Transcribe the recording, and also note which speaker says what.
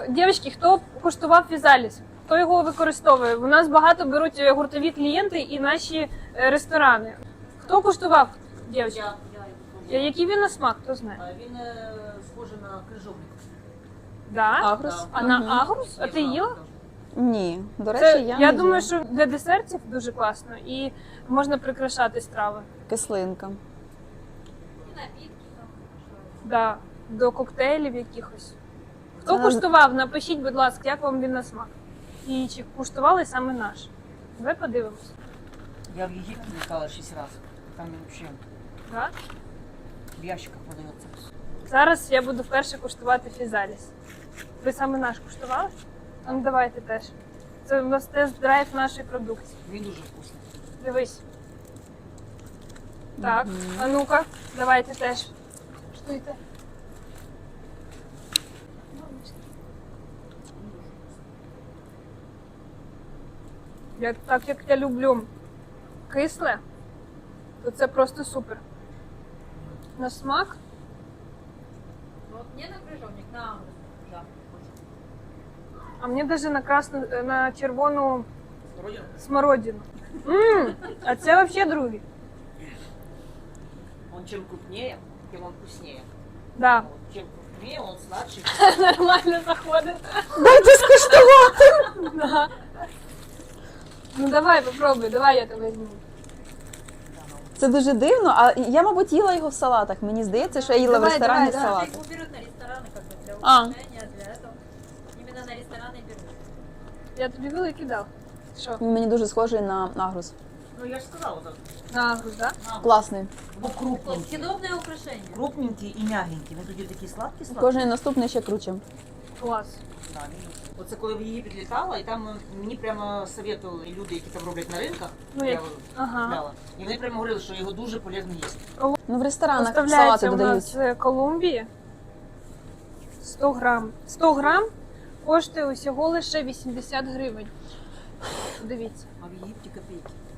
Speaker 1: Дівчатки, хто куштував фізаліс? Хто його використовує? У нас багато беруть гуртові клієнти і наші ресторани. Хто куштував, дівчатки? Який він на смак, хто знає?
Speaker 2: Він схожий на крижовник.
Speaker 1: Да?
Speaker 3: Агрус.
Speaker 1: А на агрус? А ти їла?
Speaker 3: Ні, до речі,
Speaker 1: Це,
Speaker 3: я
Speaker 1: я
Speaker 3: не
Speaker 1: думаю,
Speaker 3: їла.
Speaker 1: що для десертів дуже класно і можна прикрашати страви.
Speaker 3: Кислинка.
Speaker 1: Да, до коктейлів якихось. Хто
Speaker 3: Це-
Speaker 1: куштував? Напишіть, будь ласка, як вам він на смак. І чи куштували саме наш? Давай подивимось.
Speaker 2: Я в Єгипті літала 6 разів. Там він взагалі
Speaker 1: Да?
Speaker 2: в ящиках продається.
Speaker 1: Зараз я буду вперше куштувати фізаліс. Ви саме наш куштували? А ну давайте теж. Це у нас тест-драйв нашої продукції.
Speaker 2: Він дуже вкусний.
Speaker 1: Дивись. Так, а ну-ка, давайте теж. Штуйте. Так як я люблю кисле, то це просто супер. На смак
Speaker 4: Вот мне на крыжовник, на агрус. Да.
Speaker 1: а мені навіть на красну, на червону
Speaker 2: Родина?
Speaker 1: смородину. А це взагалі другий.
Speaker 2: Он чем крупнее, тем он вкуснее.
Speaker 1: Да.
Speaker 2: Вот чем крупнее, он сладше.
Speaker 1: Нормально заходить.
Speaker 3: Дайте скуштувати!
Speaker 1: Да. Ну давай, попробуй, давай я тебе візьму.
Speaker 3: Це дуже дивно, а я, мабуть, їла його в салатах. Мені здається, що я їла в
Speaker 1: Давай,
Speaker 3: ресторані
Speaker 1: давай,
Speaker 3: салати.
Speaker 4: Их берут на рестораны как бы для
Speaker 3: А.
Speaker 4: украшения, для этого. Именно на рестораны берут.
Speaker 1: Я тобі великий дав. Що?
Speaker 3: Він мені дуже схожий на агрус.
Speaker 2: Ну я же сказала, так.
Speaker 1: На агрус, так?
Speaker 3: Класний.
Speaker 2: Ну крупненький.
Speaker 4: Съедобное украшение.
Speaker 2: Крупненький і м'ягенький. Він тоді такий сладкий.
Speaker 3: Кожен наступний ще круче.
Speaker 1: Клас.
Speaker 2: Да, оце коли в Єгипет літала, і там мені прямо советували люди, які там роблять на ринках.
Speaker 1: Ну,
Speaker 2: я
Speaker 1: як-
Speaker 2: його
Speaker 1: ага.
Speaker 2: купляла. І вони прямо говорили, що його дуже полезно їсти.
Speaker 3: Ну, в ресторанах салати
Speaker 1: Поставляється у
Speaker 3: додають.
Speaker 1: нас з Колумбії. 100 грам. 100 грам коштує усього лише 80 гривень. Дивіться.
Speaker 2: А в Єгипті копійки.